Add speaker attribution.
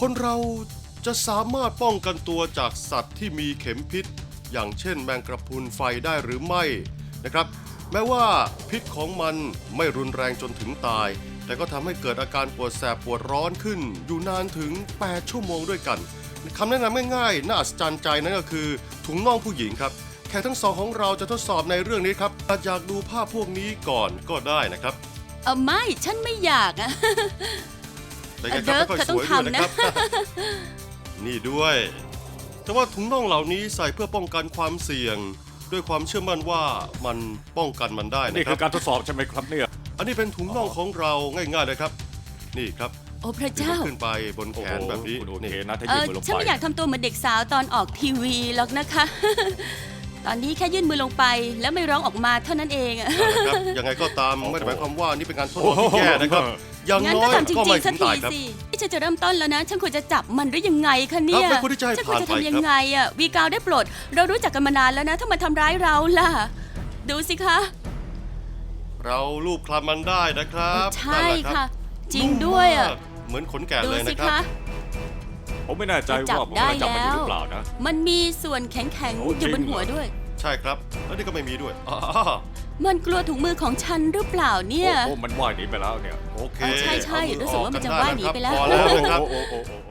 Speaker 1: คนเราจะสามารถป้องกันตัวจากสัตว์ที่มีเข็มพิษ อย่างเช่นแมงกระพรุนไฟได้หรือไม่นะครับ แม้ว่าพิษของมันไม่รุนแรงจนถึงตาย แต่ก็ทำให้เกิดอาการปวดแสบปวดร้อนขึ้น อยู่นานถึง 8 ชั่วโมงด้วยกันคำแนะนำง่ายๆน่าอัศจรรย์ใจนั่นก็คือถุงน่องผู้หญิงครับแขกทั้งสองของเราจะทดสอบในเรื่องนี้ครับอยากดูภาพพวกนี้ก่อนก็ได้นะครับ
Speaker 2: ไม่ฉันไม่อยากอะ
Speaker 1: แต่ยังครับไม่ค่อยสวยด้วยนะครับ นี่ด้วย แต่ว่าถุงน่องเหล่านี้ใส่เพื่อป้องกันความเสี่ยง ด้วยความเชื่อมั่นว่ามันป้องกันมันได้
Speaker 3: นี่
Speaker 1: นะค
Speaker 3: คื
Speaker 1: รับ
Speaker 3: อการทดสอบใช่ไหมครับเนี่ย
Speaker 1: อันนี้เป็นถุงน่องของเราง่ายๆเลยครับ นี่ครับ
Speaker 2: โอ้พระ
Speaker 1: ดึง
Speaker 2: เจ้า
Speaker 1: มันขึ้นไปบนแขนแบบนี้
Speaker 3: คุณโอเค
Speaker 1: นี่
Speaker 3: นะถ้ายื่นมือลง
Speaker 2: ฉัน
Speaker 3: ไป
Speaker 2: ไม่อยากทำตัวเหมือนเด็กสาวตอนออกทีวีหรอกนะคะ ตอนนี้แค่ยื่นมือลงไปแล้วไม่ร้องออกมาเท่านั้นเองอะ
Speaker 1: นั่นแหละครับยังไงก็ตามไม่ได้หมายความว่านี่เป็นการทดลองที่แย่นะครับ อย่าง
Speaker 2: งั้น
Speaker 1: น้
Speaker 2: ก็
Speaker 1: อย
Speaker 2: ทำจ
Speaker 1: ก็
Speaker 2: ริ
Speaker 1: ไม่
Speaker 2: งๆสั
Speaker 1: ถึ
Speaker 2: ก
Speaker 1: ง
Speaker 2: ที
Speaker 1: ตายครับ
Speaker 2: สิที่ฉันจะเริ่มต้นแล้วนะ ฉันควรจะจับมันหรือยังไงคะเนี่ย
Speaker 1: ครับไม่ควรที่จะให้
Speaker 2: ฉันควรจะ
Speaker 1: ผ่านไป
Speaker 2: ทำยังไงอะวีกาวได้โปรด เรารู้จักกันมานานแล้วนะ ถ้ามาทำร้ายเราล่ะ ดูสิคะ
Speaker 1: เราลูบคลำมันได้นะครับ
Speaker 2: ใช่
Speaker 1: นั่นแหลรับ
Speaker 2: ค่ะ จริงด้วยอะ
Speaker 1: นุ่มมากเหมือนขนแกะ
Speaker 2: ดู
Speaker 1: เลย
Speaker 2: สิ
Speaker 1: นะครับ
Speaker 2: คะ
Speaker 3: ผมไม่แน่ใจ
Speaker 2: จับ
Speaker 3: ว่าผม
Speaker 2: ได้
Speaker 3: จะจับมันอยู่
Speaker 2: แล้ว
Speaker 3: หรือเปล่านะ
Speaker 2: มันมีส่วนแข็ง
Speaker 3: โอ้
Speaker 2: ๆอยู่บน
Speaker 3: จริง
Speaker 2: หัวด้วย
Speaker 1: ใช่ครับ แล้วนี่ก็ไม่มีด้วย
Speaker 2: มันกลัวถุงมือของฉันหรือเปล่าเนี่ย
Speaker 3: โอ้มันว่ายหนีไปแล้วเนี่ย
Speaker 1: โอเค
Speaker 2: ใช่
Speaker 1: เอามือ
Speaker 2: รู้สึกว่ามันจะ
Speaker 1: ออ
Speaker 2: ว่ายหนีไปแล้ว
Speaker 1: พอแล้วนะครับ
Speaker 3: โอ้